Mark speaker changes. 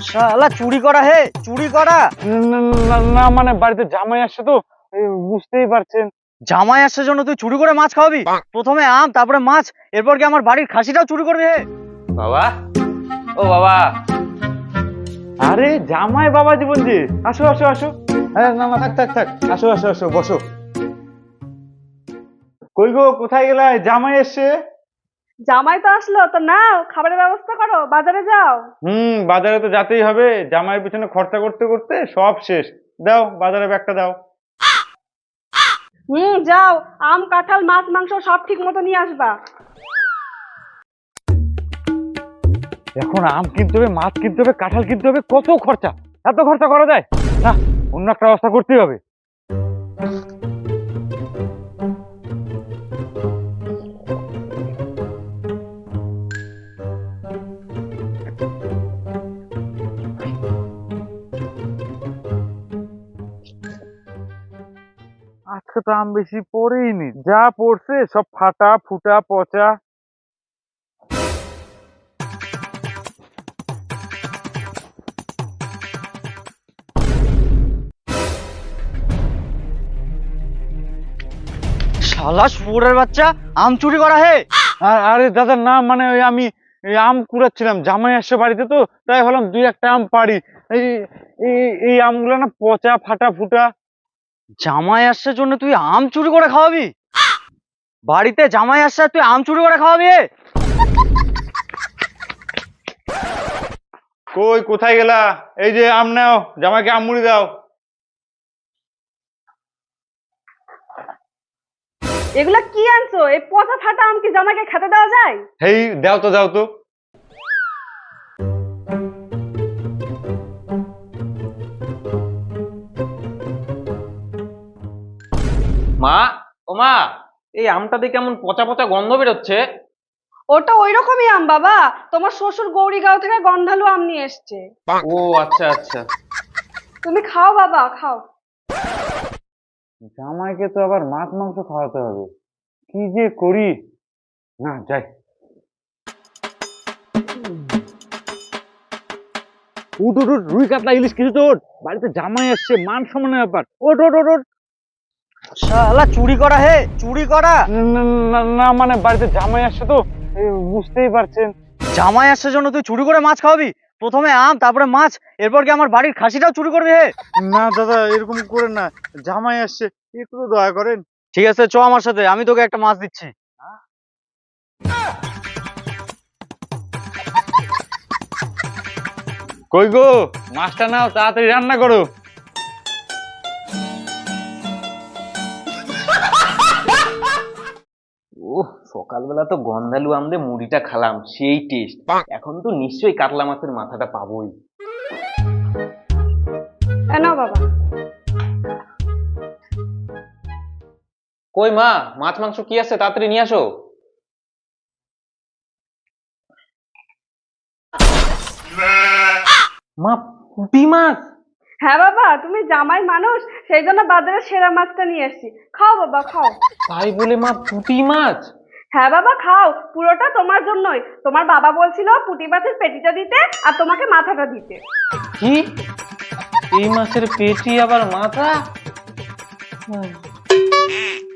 Speaker 1: শালা চুরি করা হে, চুরি করা।
Speaker 2: না মানে বাড়িতে জামাই আসছে তো, বুঝতেই পারছেন।
Speaker 1: জামাই আসার জন্য তুই চুরি করে মাছ খাওয়াবি? প্রথমে আম, তারপরে মাছ, এরপর কি আমার বাড়ির খাসিটাও চুরি করবি হে?
Speaker 3: বাবা, ও বাবা।
Speaker 2: আরে জামাই বাবা জীবন জি, আসো আসো আসো। হ্যাঁ না না, থাক থাক থাক, আসো আসো আসো, বসো। কই গো, কোথায় গেলা? জামাই এসছে।
Speaker 4: জামাই তো আসলো, তো নাও খাবারের ব্যবস্থা করো, বাজারে যাও।
Speaker 2: বাজারে তো যেতেই হবে, জামাইয়ের পিছনে খরচা করতে করতে সব শেষ। দাও বাজারে ব্যাগটা দাও।
Speaker 4: যাও, আম কাঁঠাল মাছ মাংস সব ঠিক মতো নিয়ে আসবা।
Speaker 2: এখন আম কিনতে হবে, মাছ কিনতে হবে, কাঁঠাল কিনতে হবে, কত খরচা! এত খরচা করা যায় না, অন্য একটা ব্যবস্থা করতেই হবে। আজকে তো আম বেশি পড়েইনি, যা পড়ছে সব ফাটা ফুটা পচা।
Speaker 1: শালা শুয়োরের বাচ্চা, আম চুরি করা হে।
Speaker 2: আরে দাদা না, মানে ওই আমি এই আম কুড়াচ্ছিলাম, জামাই আসছে বাড়িতে তো, তাই ভাবলাম দুই একটা আম পারি। এই এই আমগুলো না পচা ফাটা ফুটা।
Speaker 1: জামাই আসার জন্য তুই আম চুরি করে খাওয়াবি? বাড়িতে জামাই আসছে আর তুই আম চুরি করে খাওয়াবি হে?
Speaker 2: কই কোথায় গেলা? এই যে আম নাও, জামাইকে আম মুড়ি দাও।
Speaker 4: এগুলা কি আনছো? এই পচা ফাটা আম কি জামাইকে খেতে দেওয়া যায়?
Speaker 2: হেই দাও তো দাও তো।
Speaker 3: মা, ও মা, এই আমটাতে কেমন পচা পচা গন্ধ বেরোচ্ছে।
Speaker 4: ওটা ওই রকমই আম বাবা, তোমার শ্বশুর গৌরীগাঁও থেকে গন্ধালু আম নিয়ে এসছে।
Speaker 3: ও আচ্ছা আচ্ছা।
Speaker 4: তুমি খাও বাবা, খাও।
Speaker 2: জামাইকে তো আবার মাছ মাংস খাওয়াতে হবে, কি যে করি। না যাই। উঠ উঠ উঠ, রুই কাতলা ইলিশ কিছু তো ওঠ, বাড়িতে জামাই আসছে, মান সম্মানের ব্যাপার। ওঠ ওঠ ওঠ ওঠ।
Speaker 1: শালা চুরি করা হে, চুরি করা।
Speaker 2: না মানে বাড়িতে জামাই আসছে তো, বুঝতেই পারছেন।
Speaker 1: জামাই আসার জন্য তুই চুরি করে মাছ খাওয়াবি? প্রথমে আম, তারপরে মাছ, এরপর কি আমার বাড়ির খাসিটাও চুরি করবি হে?
Speaker 2: না দাদা, এরকম করেন না, জামাই আসছে, একটু তো দয়া করেন।
Speaker 1: ঠিক আছে, চ আমার সাথে, আমি তোকে একটা মাছ দিচ্ছি।
Speaker 2: কই গো, মাছটা নাও, তাড়াতাড়ি রান্না করো।
Speaker 3: ওহ, সকালবেলা তো গন্ধালু আম দিয়ে মুড়িটা খালাম, সেই টেস্ট। এখন তো নিশ্চয়ই কাতলা মাছের মাথাটা পাবোই।
Speaker 4: নাও বাবা।
Speaker 3: কই মা, মাছ মাংস কি আছে, তাড়াতাড়ি নিয়ে আসো। মা, পুঁটি মাছ?
Speaker 4: হ্যাঁ বাবা, তুমি জামাই মানুষ, সেই জন্য বাজারে সেরা মাছটা নিয়ে এসেছি। খাও বাবা, খাও।
Speaker 3: তাই বলে মা পুঁটি মাছ?
Speaker 4: হ্যাঁ বাবা, খাও, পুরোটা তোমার জন্যই। তোমার বাবা বলছিল পুঁটি মাছের পেটিটা দিতে আর তোমাকে মাথাটা দিতে।
Speaker 3: কি, এই মাছের পেটি আবার মাথা?